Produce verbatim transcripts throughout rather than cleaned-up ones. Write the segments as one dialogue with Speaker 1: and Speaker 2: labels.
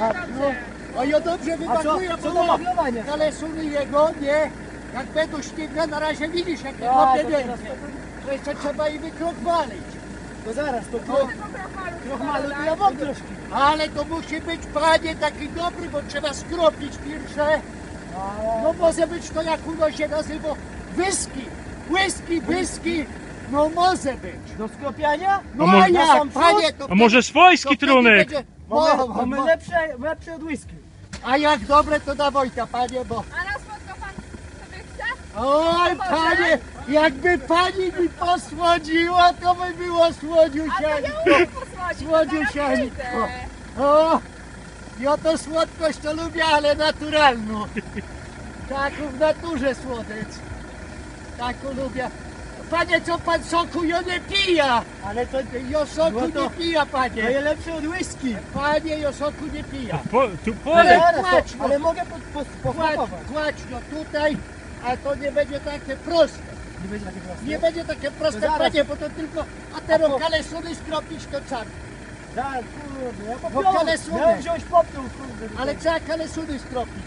Speaker 1: No, a ja dobrze wymachuję,
Speaker 2: co
Speaker 1: bo
Speaker 2: do wachlowania?
Speaker 1: kalesuny jego, nie? Jak będą śmigłe, na razie widzisz, jak nie
Speaker 2: A,
Speaker 1: kopie
Speaker 2: to
Speaker 1: nie
Speaker 2: teraz
Speaker 1: to jeszcze trzeba i wykrokmalić.
Speaker 2: To zaraz, to
Speaker 1: No.
Speaker 2: krochmalu to ja mam troszkę.
Speaker 1: Ale to musi być, panie, taki dobry, bo trzeba skropić pierwsze. No może być to, jak uno się nazywa, whisky. Whisky, whisky, no może być.
Speaker 2: Do skropiania?
Speaker 1: No
Speaker 3: A może-
Speaker 1: a jak, panie, to
Speaker 3: A może swojski
Speaker 1: to wtedy
Speaker 3: trunek?
Speaker 1: będzie-
Speaker 2: Mamy,
Speaker 1: Mo- mo-
Speaker 2: mamy
Speaker 1: mo-
Speaker 2: lepsze, lepsze od whisky.
Speaker 1: A jak dobre, to na Wojta, panie, bo...
Speaker 4: A raz spotka pan sobie chce?
Speaker 1: Oj, panie, jakby pani mi posłodziła, to by było
Speaker 4: A to
Speaker 1: słodziusieńko.
Speaker 4: ja umiem posłodzić,
Speaker 1: Słodziusieńko.
Speaker 4: to zaraz
Speaker 1: O, ja to słodkość to lubię, ale naturalną. Taką w naturze słodycz. Taką lubię. Panie, co pan soku ja nie pija?
Speaker 2: Ale to,
Speaker 1: Ja soku
Speaker 2: No to-
Speaker 1: nie pija,
Speaker 2: to
Speaker 1: panie.
Speaker 2: jest lepsze od whisky.
Speaker 1: Panie, ja soku nie pija.
Speaker 3: Po, tu
Speaker 1: Ale-
Speaker 3: polej.
Speaker 2: Zaraz,
Speaker 1: płacz,
Speaker 2: to,
Speaker 1: no.
Speaker 2: ale mogę po, po,
Speaker 1: Kładź,
Speaker 2: pochłopować.
Speaker 1: kładź no tutaj, a to nie będzie takie proste.
Speaker 2: Nie będzie takie proste.
Speaker 1: Nie będzie takie proste,
Speaker 2: To zaraz.
Speaker 1: panie, bo to tylko... A teraz
Speaker 2: po-
Speaker 1: kalesuny skropić to czarno.
Speaker 2: Zaraz, kurde, ja
Speaker 1: Bo
Speaker 2: popiąłem.
Speaker 1: kalesuny.
Speaker 2: Miałem wziąć popioł, kurde.
Speaker 1: Ale trzeba kalesuny skropić.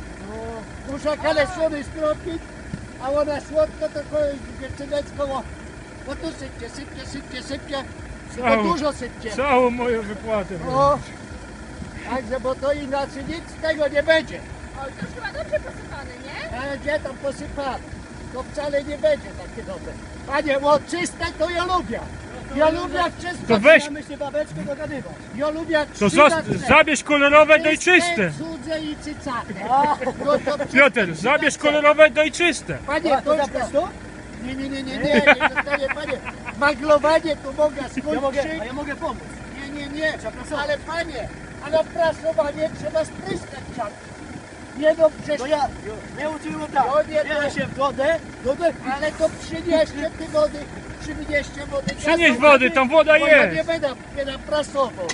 Speaker 2: No,
Speaker 1: Muszę kalesuny skropić, a ona słodko to dziewczynecko, o, bo tu sypcie, sypcie, sypcie, sypcie, tylko
Speaker 3: Całą-
Speaker 1: dużo sypcie.
Speaker 3: Całą moją wypłatę.
Speaker 1: O, także, bo to inaczej nic z tego nie będzie.
Speaker 4: O, to już chyba dobrze posypany, nie?
Speaker 1: Ale gdzie tam posypane? To wcale nie będzie takie dobre. Panie, bo czyste to ja lubię. Ja lubię jak czyste.
Speaker 3: To weź,
Speaker 2: mamy się babeczkę dogadywać.
Speaker 1: Ja lubię jak
Speaker 3: to
Speaker 1: czyste.
Speaker 3: zos- zabierz kolorowe, daj czyste.
Speaker 1: Cudze i cycate.
Speaker 2: A,
Speaker 1: No to czyste,
Speaker 3: Piotr, zabierz
Speaker 1: czyste.
Speaker 3: kolorowe, daj czyste.
Speaker 1: Panie,
Speaker 2: a
Speaker 1: to
Speaker 2: to
Speaker 1: już
Speaker 2: zabrać to?
Speaker 1: Nie, nie, nie, nie, nie, nie zostanie, panie. Maglowanie to mogę skończyć.
Speaker 2: Ja mogę, a ja mogę pomóc.
Speaker 1: Nie, nie, nie, ale panie, ale prasowanie trzeba spryskać czas. Nie no, przecież,
Speaker 2: To ja, nie uczyłem tak.
Speaker 1: No nie,
Speaker 2: Biorę
Speaker 1: to-
Speaker 2: się w wodę, wodę
Speaker 1: ale to przynieście ty wody, przynieście wody.
Speaker 3: Przynieś
Speaker 1: gazowej,
Speaker 3: wody, tam woda
Speaker 1: bo ja nie
Speaker 3: jest.
Speaker 1: będę, będę prasował.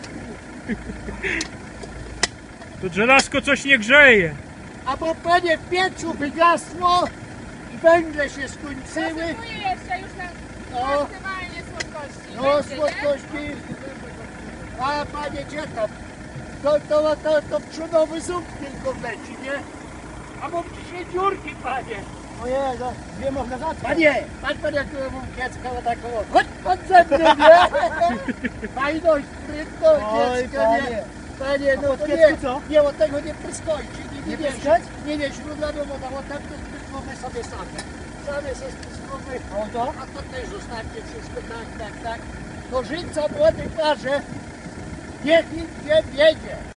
Speaker 3: To żelazko coś nie grzeje.
Speaker 1: A bo panie w piecu wygasło, węgle się skończyły,
Speaker 4: Posypuję jeszcze już na
Speaker 1: No.
Speaker 4: maksymalnie słodkości.
Speaker 1: no
Speaker 4: Będzie, nie?
Speaker 1: słodkości. A panie, gdzie tam? To, to, to, to przodowy ząb tylko wleci, nie? A bo trzy dziurki, panie.
Speaker 2: Ojej, za dwie można zacząć.
Speaker 1: Panie, patrz pan jak mam kiecka na taką, chodź pan ze mną, nie? Fajność, sprytność,
Speaker 2: Oj,
Speaker 1: kiecka,
Speaker 2: panie.
Speaker 1: nie? Panie,
Speaker 2: A
Speaker 1: no
Speaker 2: pod
Speaker 1: to
Speaker 2: kiecku
Speaker 1: nie,
Speaker 2: co?
Speaker 1: nie, od tego nie pryskojcie, nie, nie,
Speaker 2: Nie
Speaker 1: nie,
Speaker 2: pryskać?
Speaker 1: nie, nie, źródlami woda, bo tam to spryskamy sobie same. Same se spryskamy,
Speaker 2: O to?
Speaker 1: a to też zostawcie wszystko, tak, tak, tak. To żyńca młody parze, niech nikt nie wiedzie.